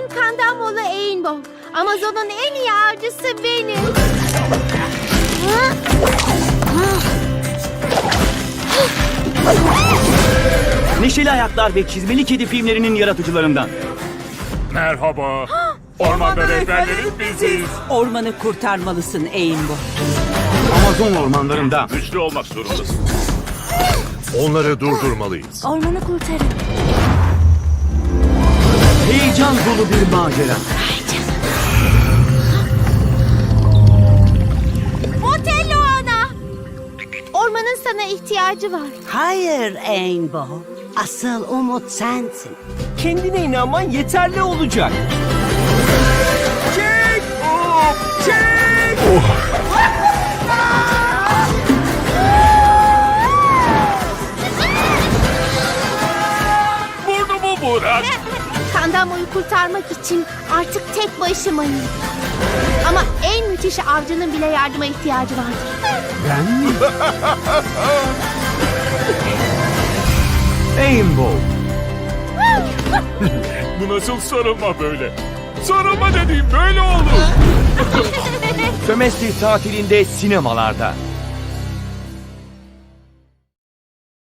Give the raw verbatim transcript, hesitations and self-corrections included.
Kandamolu Rainbow. Amazon'un en iyi avcısı benim. Neşeli Hayatlar ve Çizmeli Kedi filmlerinin yaratıcılarından. Merhaba. Ormanda rehberlerin biziz. Ormanı kurtarmalısın Rainbow. Amazon ormanlarında. Güçlü olmak zorundasın. Onları durdurmalıyız. Ormanı kurtarın. Heyecan dolu bir macera. Otello ana. Ormanın sana ihtiyacı var. Hayır Rainbow. Asıl umut sensin. Kendine inanman yeterli olacak. Çek! Çek! Burnumu bırak. Kandamoyu kurtarmak için artık tek başımayım. Ama en müthiş avcının bile yardıma ihtiyacı vardır. Rainbow. Bu nasıl sarılma böyle? Sarılma dediğim böyle olur. Sömestr tatilinde sinemalarda.